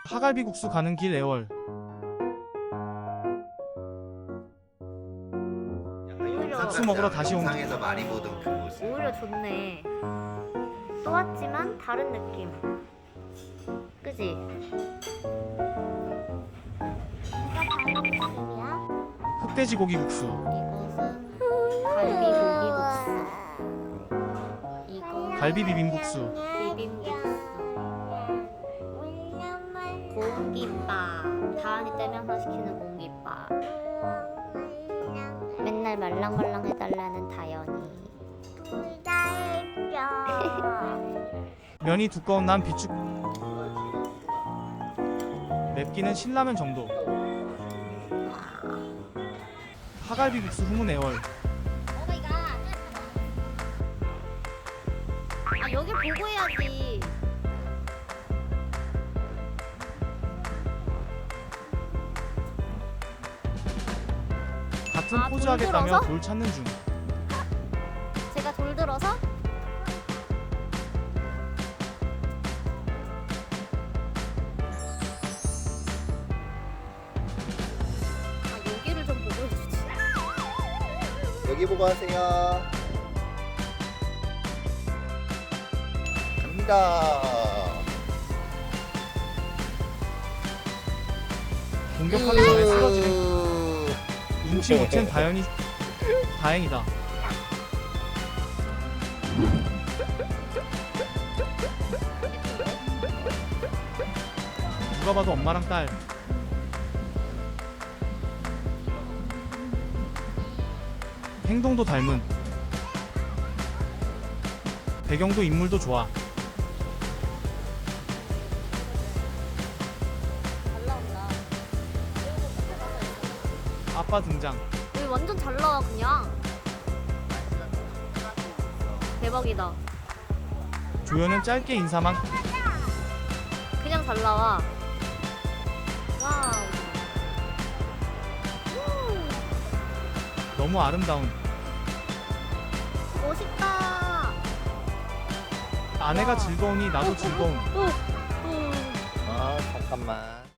파갈비국수 가는 길 애월. 국수 먹으러 다시 온 길. 상에서 많이 보던 그 모습. 오히려 좋네. 또 왔지만 다른 느낌. 그지? 흑돼지 고기 국수. 이것은 갈비 고기 국수. 이거 갈비 비빔국수. 비빔국수. 공깃밥. 다은이 때문에 항상 시키는 공깃밥. 맨날 말랑말랑 해달라는 다연이. 면이 두꺼운 난 비축. 맵기는 신라면 정도. 파갈비국수 후문 애월. 아 여기 보고 해야지. 같은 아, 포즈 돌 하겠다며 들어서? 돌 찾는 중. 제가 돌 들어서 아 여기를 좀 보고 해주지. 여기 보고 하세요. 갑니다. 공격하기 전에 쓰러지는 눈치 못 챈 다현이. 다행이다. 누가 봐도 엄마랑 딸. 행동도 닮은. 배경도 인물도 좋아. 잘 나온다. 아빠 등장. 여기 완전 잘 나와 그냥. 대박이다. 조연은 짧게 인사만. 그냥 잘 나와. 와우. 너무 아름다운. 멋있다. 아내가 즐거우니 나도 즐거운. 오. 아 잠깐만.